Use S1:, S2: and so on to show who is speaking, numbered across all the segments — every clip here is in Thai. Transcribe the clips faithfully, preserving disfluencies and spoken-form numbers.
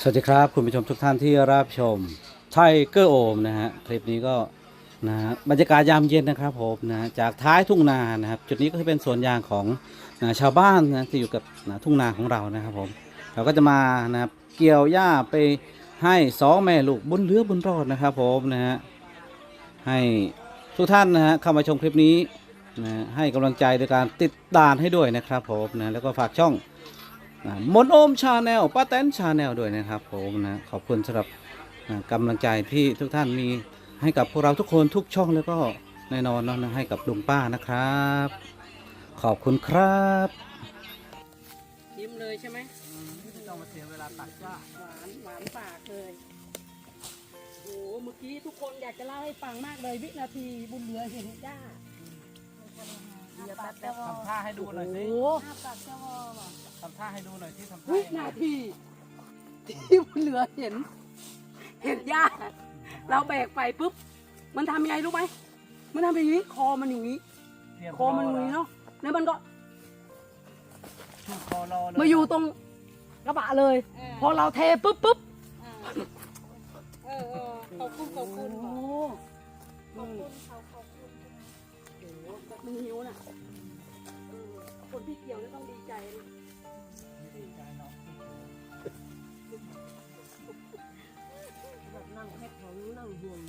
S1: วัสดีครับคุณผู้ชมทุกท่านที่รับชมไทเกอร์โอมนะฮะคลิปนี้ก็นะฮะบรรยากาศยามเย็นนะครับผมนะจากท้ายทุ่งนานะครับจุดนี้ก็จะเป็นสวนยางของนะชาวบ้านนะที่อยู่กับนะทุ่งนาของเรานะครับผมเราก็จะมานะครับเกี่ยวหญ้าไปให้สองแม่ลูกบุญเหลือบุญรอดนะครับผมนะฮะให้ทุกท่านนะฮะเข้ามาชมคลิปนี้นะให้กำลังใจโดยการติดตามให้ด้วยนะครับผมนะแล้วก็ฝากช่องมนโอมชาแนลป้าแตนชาแนลด้วยนะครับผมนะขอบคุณสำหรับนะกำลังใจที่ทุกท่านมีให้กับพวกเราทุกคนทุกช่องแล้วก็แน่นอนเนาะนะให้กับลุงป้านะครับขอบคุณครับ
S2: ยิ้มเลยใช่ไหม
S1: ไม่ต้องมาเสียเวลาตัดจ้า
S2: หวานหวานปากเลยโอ้เมื่อกี้ทุกคนอยากจะเล่าให้ฟังมากเลยวินาทีบุญเหลือเห็นจ้า
S1: เดี๋ยวแป๊บแป๊บทำท่าให้ดูหน่อยสิ
S2: โอ้
S1: ทำท่าให้ดูหน่อยที่ทำท่า
S2: วินาทีที่บุญเหลือเห็น เห็นย่าเราแบกไปปุ๊บมันทำยังไงรู้ไหมมันทำอย่างนี้คอมันอย่างนี้คอมันอย่างนี้เนาะแล้วมันก็
S1: ชูคอรอเลย
S2: มาอยู่ตรงกระบะเลย พอเราเทปุ๊บปุ๊บ
S3: เออเออขอบคุณขอบคุณ
S2: โอ้
S3: ขอบคุณเขาขอบคุณ
S2: โหแบบมันหิวน่ะเออคนที่เกี่ยวนี่ต้องดีใจเลย
S1: ดีใจเนาะ
S2: แบบนั่งแค่ของนั่งห่วง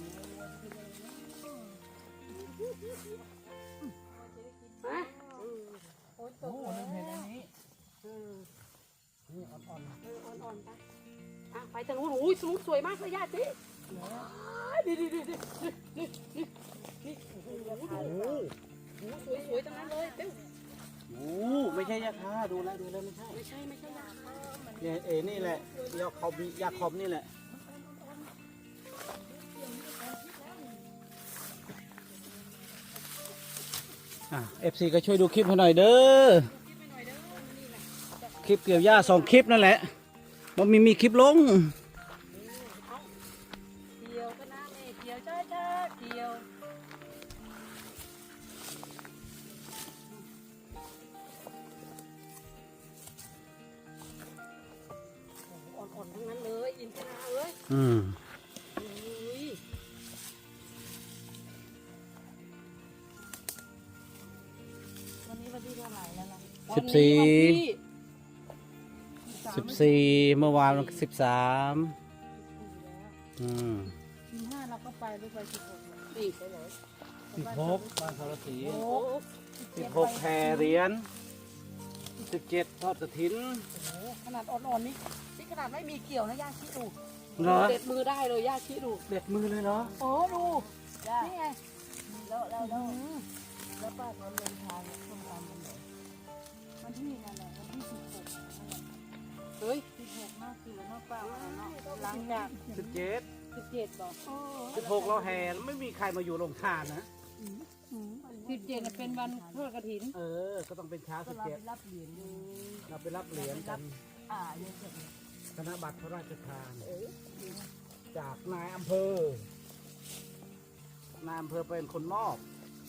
S2: ฮะ
S3: โอ้ยต
S1: โอ้
S3: ก
S1: โห
S3: แล้
S1: ลืมเห็นอัน
S3: ว
S1: นี้
S2: เออ
S1: นี่อ่อน
S2: เอออ่อนๆไปอ่ะไปทางนู้นโอ้ยสนุกสวยมากเลยญาติดีดีดีดีนี่นี่นี่โอ้โห
S1: ๆโอ้
S2: สวยสวยๆทั้งนั้นเลยเต้ว
S1: โหไม่ใช่ยาคาดูแลวดูแล้วไม่ใช่
S2: ไม่ใช่ไม่ใช่ยา
S1: เนี่ยเอนี่แหละยาคอมยาคอมนี่แหละอ่ะเอฟซีก็ช่วยดูคลิปให้หน่อยเด้อคลิปเกี่ยวหญ้าสองคลิปนั่นแหละมันมีมีคลิปลง
S2: เกี่ยวก็นะแม่เกี่ยวจ้าจ้าเกี่ยวอ่อนๆทั้งนั้นเลยอินทราเอ้ย
S1: อืม
S2: อุ้ย
S3: วันนี้วันที่เท่าไหร่แล้วล่ะ
S1: สิบสี่
S2: วันนี้
S1: สิบสี่เมื่อวานสิบสามอืม
S3: สิบห้าเราก็ไปหรือไปสิบหก
S2: นี่ไปไหน
S1: สิบหกบ้านสารสี
S2: โอ้
S1: สิบหกแห่เหรียญสิบเจ็ดทอดกระถิน
S2: โหขนาดอ่อนๆนี่นี่ขนาดไม่มีเกี่ยวนะย่าชี้ดู
S1: เหรอ
S2: เด็ดมือได้เลยย่าชี้ดู
S1: เด็ดมือเลยเหรอ
S2: โอ้ดูนี่ไง
S3: แล้วแล้วแล้ว
S2: อืม
S3: แล้วป้าเขาเดินทางเนี่ยต้องทำวันไหนวันที่นั่นแหละวันที่สิบหกนั่นแหละ
S2: เฮ้ย
S3: สิบหกเนาะคือเนาะป้าว่าเนาะหลังจาก
S1: สิบเจ็ด
S3: สิบเจ็ดบอก
S1: สิบหกเราแห่แล้วไม่มีใครมาอยู่โรงทานนะ
S3: สิบเจ็ดเป็นวันทอดกระถิน
S1: เออ ก็ต้องเป็นเช้า
S3: ก็
S1: สิบ
S3: เรา
S1: เจ็ด
S3: ไปรับเหรียญอยู่
S1: เราไปรับเหรียญกัน
S3: อ่าเยอะจัง
S1: ธนบัตรพระราชทานจากนายอำเภอ นายอำเภอเป็นคนมอบ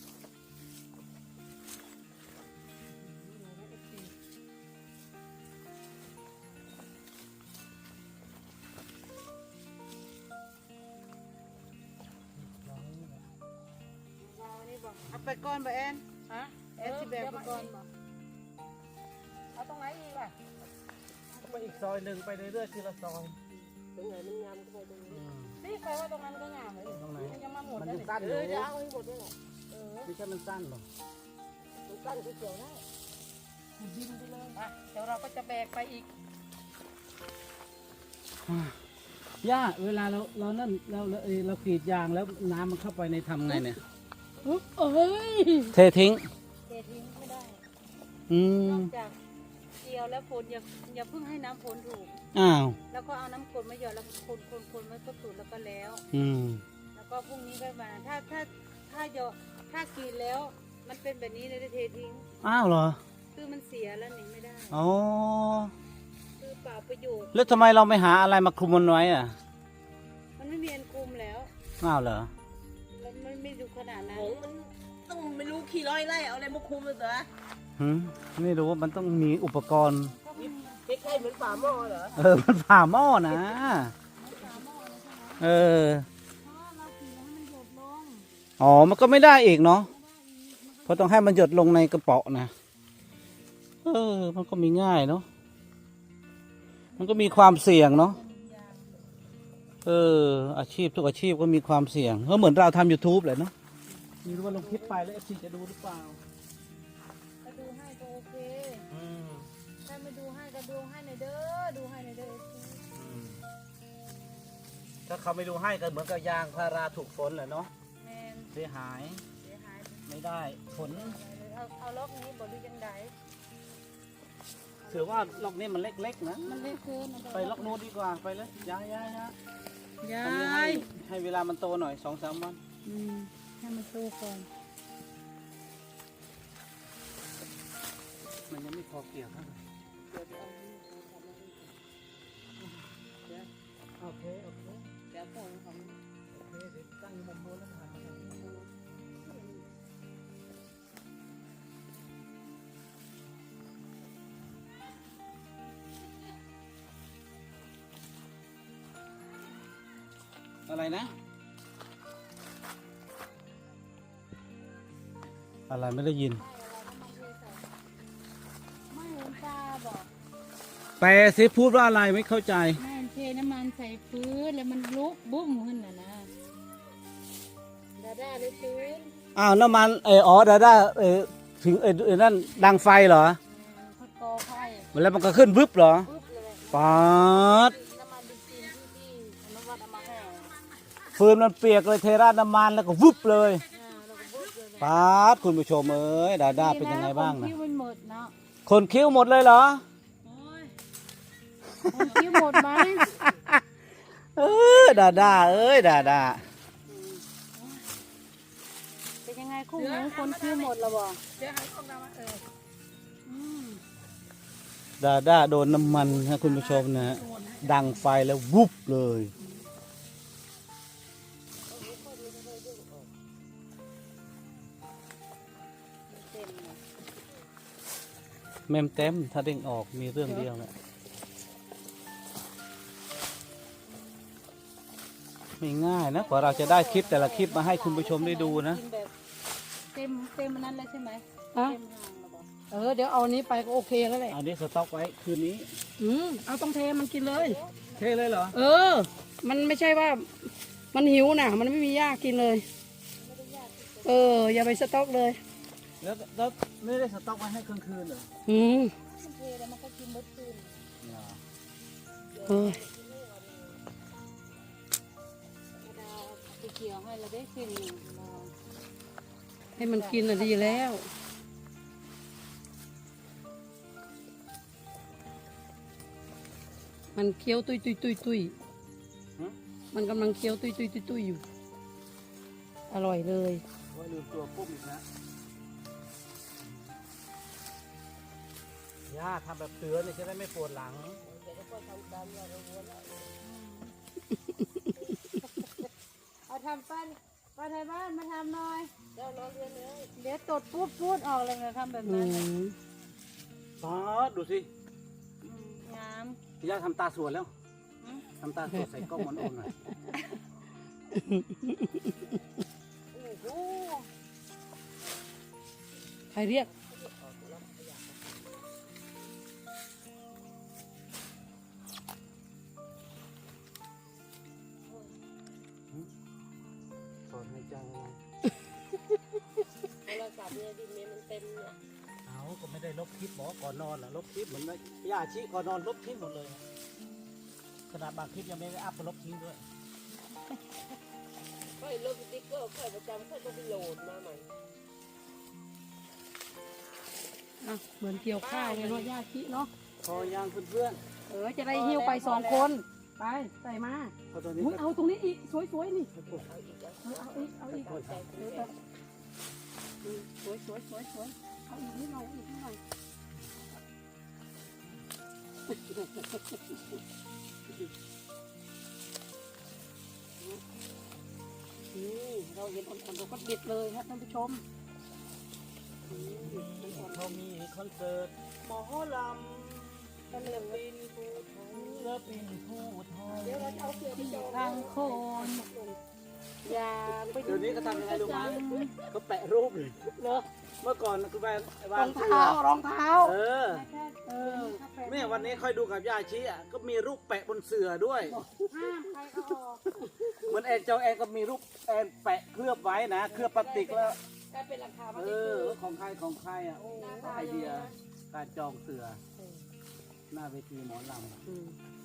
S3: เอาไปก่อนบ่แอน
S2: ฮะ
S3: แอนสิแบกไปก่อนบ่
S2: เอาตรงไหนอีกอ่ะ
S1: ไปอีกซอยหนึ่งไปเรื่อยๆทีละซอย
S2: ตรงไหนมันงามก็ไปตรงนี้
S1: อืม
S2: นี่ใครว่าตรงนั้นก็งามเลย
S1: ตรงไหน
S2: มันยังมาหมด
S1: มัน
S2: แล้ว
S1: ยัง
S2: นี่
S1: สั้นอ
S2: เอยู่ อเดี๋ยวเอาให้หมดด้วยแหละเออ
S1: ไม่ใช่มันสั้นหรอก
S2: มันสั้นก็เกี่ยวได้ดินไปเลยอ่ะเดี๋ยวเราก็จะแบกไปอีก
S1: ย่าเวลาเราเรานั่นเราเราเอ่อเรากรีดยางแล้วน้ำมันเข้าไปในทำไงเนี่ย
S2: เอ้ย
S1: เททิ้ง
S3: เททิ้งไม่ได้
S1: อื
S3: น
S1: ม
S3: อกจากเกี่ยวแล้วฝนอย่าอย่าเพิ่งให้น้ำฝนถูก
S1: อ้าว
S3: แล้วก็เอาน้ำกรดมาหยอดแล้วก็คนคนคนมันก็สูดแล้วก็แล้ว
S1: อืม
S3: แล้วก็พรุ่งนี้ก็มาถ้าถ้าถ้าหยอดถ้ากรีดแล้ว มันเป็นแบบนี้เลยเททิ้ง
S1: อ้าวเหรอ
S3: คือมันเสียแล้วหนีไม่ได้
S1: อ๋อ
S3: คือเปล่าประโยชน์
S1: แล้วทำไมเราไม่หาอะไรมาคลุมมันไว้อ่ะ
S3: มันไม่มีอันคุมแล้ว
S1: อ้าวเหรอ
S3: แล้วมันไม่ดูขนาดนั้น
S2: โอ้มันต้องไม่รู้ขี่ร้อยไล่เอาอะไรมาคุมเลยเหรอ
S1: หืมไม่รู้ว่ามันต้องมีอุปกรณ์
S3: ก็มัน
S2: เทค
S4: ใช่เหมือนฝาหม้อเหรอ
S1: เออมันผ่าหม้อนะเอออ๋อมันก็ไม่ได้อีกเนาะเพราะต้องให้มันหยดลงในกระเป๋านะเออมันก็มีง่ายเนาะมันก็มีความเสี่ยงเนาะเอออาชีพทุกอาชีพก็มีความเสี่ยงก็เหมือนเราทำ YouTube เลยเนาะไม่รู้ว่าลงคลิปไปแล้วเอฟซีจะดูหรือเปล่า
S3: ก็ดูให้ก็โอเคถ้าไม่ดูให้ก็ดูให้หน่อยเด้อดูให้หน่อยเด้อ
S1: ถ้าเขาไม่ดูให้ก็เหมือนกับยางพาราถูกฝนแหละเนาะ
S3: แมน
S1: เสียหาย
S3: เสียหาย
S1: ไม่ได้ผล
S3: เอาเอาล็อกนี้บ่ดูจังได
S1: ถือว่าล็อกนี้มันเล็กๆนะ
S3: มันเล็กเกินนะ
S1: ไปล็อกโน้ตดีกว่าไปเลยย้ายย้ายย้าย
S2: ยา
S1: อันนี้ให้
S2: ย
S1: ให้เวลามันโตหน่อยสองสามวัน
S2: อืมให้มันโตก่อน
S1: มันยังไม่พอเกี่ยวเท่าไหร่โอเคโอเค
S2: เดี๋ยวก่อนของ
S1: โอเคเดี๋ยวตั้งอยู่มุมโน้นแล้วถ่ายมาทางนี้อะไรนะ อะไรไม่ได้ยิน
S3: ไม่เห็นตาบอก
S1: แปลสิพูดว่าอะไรไม่เข้าใจ
S3: แม่เทน้ำมันใส่พื้นแล้วมันลุกบุ้มขึ้นน่ะนะดาด้าเลยพื้น
S1: อ้าวน้ำมันเอออ๋อดาด้าเออถึงเออเออนั่นดังไฟเหรอ
S3: พัดกอไฟ
S1: แล้วมันก็ขึ้นวึบเหรอ
S3: ปุ๊บเลย
S1: ป๊าด
S3: น้ำมันเบนซินที่ที่อนุวัตเอามาให้อ่า
S1: ฟืนมันเปียกเลยเทราดน้ำมันแล้วก็วึบเลย
S3: แล้วก็ปุ๊บเลย
S1: ป๊าดคุณผู้ชมเอ้ยดาด้าเป็นยังไงบ้างนะ
S3: คิ้วมันหมดเนาะ
S1: คนคิ้วหมดเลยเหรอ
S3: คนคิ้วหมดไหม
S1: เออดาด้าเอ้ยดาด้า
S3: เป็นยังไงคู่หูคนคิ้วหมดแล้วบ่
S2: เดี๋ยวให้ของเรามาเออ
S3: อืม
S1: ดาด้าโดนน้ำมันนะคุณผู้ชมนะฮะดังไฟแล้ววุบเลย
S3: เต็มเลย
S1: เมมเต็มถ้าเด้งออกมีเรื่องเดียวแหละไม่ง่ายนะกว่าเราจะได้คลิปแต่ละคลิปมาให้คุณผู้ชมได้ดูนะ
S3: กินแบบเต็มเต็มอันนั้นเลยใช่ไหม
S2: ฮะ
S3: เต็มห่างแล้วบ่
S2: เออเดี๋ยวเอาอันนี้ไปก็โอเคแล้วแหละ
S1: อันนี้สต็อกไว้คืนนี้
S2: อืมเอาต้องเทมันกินเลย
S1: เทเลยเหรอ
S2: เออ มันไม่ใช่ว่า มันหิวนะมันไม่มีหญ้ากินเลย เออ อย่าไปสต็อกเลย
S1: แล้วแล้วไม่ได้สต็อกไว้ให้กลางคืนเหรอ
S2: อืม
S3: มันเทแล้วมันก็กินเบิดคืน
S2: เออ
S3: ดาวไปเกี่ยวให้เราได้คืนหนึ่งเรา
S2: ให้มันกินอ่ะดีแล้ว มันเคี้ยวตุยตุยตุยตุยมันกำลังเคี้ยวตุยตุยตุยตุยอยู่ อร่อยเลย
S1: โอ้ยลืมตัวปุ๊บอีกนะย่าทำแบบเตือนเลยจะได้ไม่ปวดหลัง
S3: เอาทำปั้นป้าไทยบ้านมาทำหน่อยเดี๋ยวรอเรียนเลยเดี๋ยวตดพูดพูดออกเลยนะทำแบบ
S2: อื
S3: นั้น
S2: ม
S1: ป๊าดดูสิ
S3: อืมงาม
S1: ย่าทำตาสวยแล้วทำตาสวยใส่กล้องมันโอนหน่อย
S3: โอ้โห
S2: ใครเรียก
S1: ถอนหายใจอะไร
S4: โทรศัพท์เนี่ยดินเมมันเต็มเนี่ย
S1: เอาก็ไม่ได้ลบคลิปบอกก่อนนอนเหรอลบคลิปเหมือนไม่ย่าชี้ก่อนนอนลบทิ้งหมดเลยขนาดบางคลิปยังไม่ได้อัพก็ลบทิ้งด้วย
S4: ค่อยลบสติ๊กเกอร์ค่อยประจำค่อยต้องไปโหลดมาใหม่
S2: อ่ะเหมือนเกี่ยวข้าวเลยเนาะญาติเนาะ
S1: พอยังเพื่อน
S2: เออ จะได้หิ้วไปสองคน ไป ใส่มา
S1: ๆพอตอนนี้
S2: อุ๊ยเอาตรงนี้อีก สวยๆนี่
S1: ก็ปวด
S2: เออเอาอีก เอาอีกเออเอาอืมสวยสวยสวยสวยเอาอีกนิดหน่อยเอาอีกนิดหน่อยนี่เราเห็นอ่อนๆเราก็เด็ดเลยครับท่านผู้ชมนี่อ่อน
S1: เขามีคอนเสิร์ตหมอล
S3: ทางโคน
S2: ยางไป
S1: เดี๋ยวนี้ก็ทำยังไงรู้ไหมก็แปะรูปเลยเนอะเมื่อก่อนคือแบบ
S2: ร
S1: วา
S2: อง งเท้ารองเท้า
S1: เออ
S2: เออ
S1: แม่วันนี้ค่อยดูกับยาชีอ่ะก็มีรูปแปะบนเสื่อด้วย
S3: ห้ามใครเอาออก
S1: เหมือนแอนเจ้าแอนก็มีรูปแอนแปะเคลือบไว้นะเคลือบพลาสติกแล้ว
S2: ได้เป็นราคามา
S1: เอ
S2: ที่
S1: อ
S2: คือ
S1: ของใครของใครอ่ะโอ้ไอเดียการจองเสือหน้าเวทีหมอลำ
S2: อืม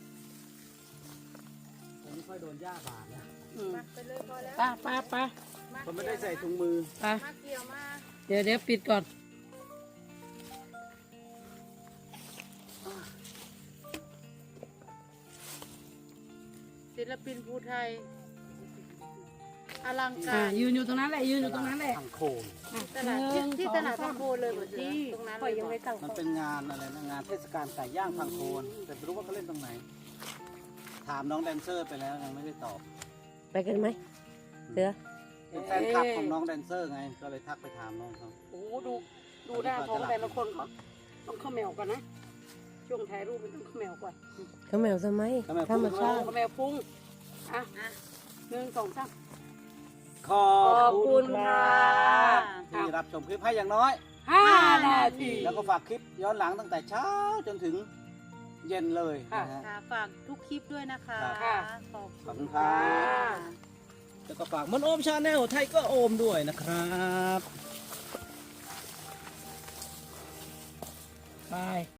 S1: ผมไม่ค่อยโดนย่าบาดนะ
S2: อืม
S3: มาไปเลยพอแล้ว
S2: ป้าป้าป้า
S1: ผมไม่ได้ใส่ถุงมือ
S2: ป้า
S3: มาเกี่ยวมา
S2: เดี๋ยวเดี๋ยวปิดก่อน
S3: ศิลปินภูไทย อลัง
S2: อ่า
S3: การ
S2: ยืนอยู่ตรงนั้นแหละยืนอยู่ตรงนั้นแหละ
S1: ทางโคม
S3: ตลาดที่ที่ตลาดพังโคนเลยเหมือนที่ตรงนั้นเลยยังไม่ตั้ง
S1: มันเป็นงานอะไรนะงานเทศกาลไก่ย่างทางโคนแต่ไม่รู้ว่าเขาเล่นตรงไหน ถามน้องแดนเซอร์ไปแล้วยังไม่ได้ตอบ
S4: ไปกันไหมเสือ
S1: เป็นแฟนคลับของน้องแดนเซอร์ไงก็เลยทักไปถามน้องเขา
S2: โอ้โหดูดูหน้าท้องแต่ละคนเขาต้องเข้าแมวกันนะ ช่วงถ่ายรูปมันต้องเข้าแมวก่อน
S4: เขาแมวทำไม
S1: ทำไม
S4: ธรรมชาติ
S2: เข้าแมวฟุ้งอ่ะหนึ่งสองสาม
S1: ขอ
S2: ขอ
S1: บบ
S2: คุ
S1: คุณ
S2: ณ
S1: ค
S2: ค่ะ
S1: รับที่รับชมคลิปให้อย่างน้อย
S2: ห้านาที
S1: แล้วก็ฝากคลิปย้อนหลังตั้งแต่เช้าจนถึงเย็นเลยนะฮะ
S3: ค่ะฝากทุกคลิปด้วยนะคะ
S1: ครับ
S3: ขอบ
S1: ขอบ
S3: คุ
S1: คุณ
S3: ณ
S1: ครั
S2: ค่ะ
S1: บ แล้วก็ฝากมนโอมชาแนลไทยก็โอมด้วยนะครับ
S2: ไป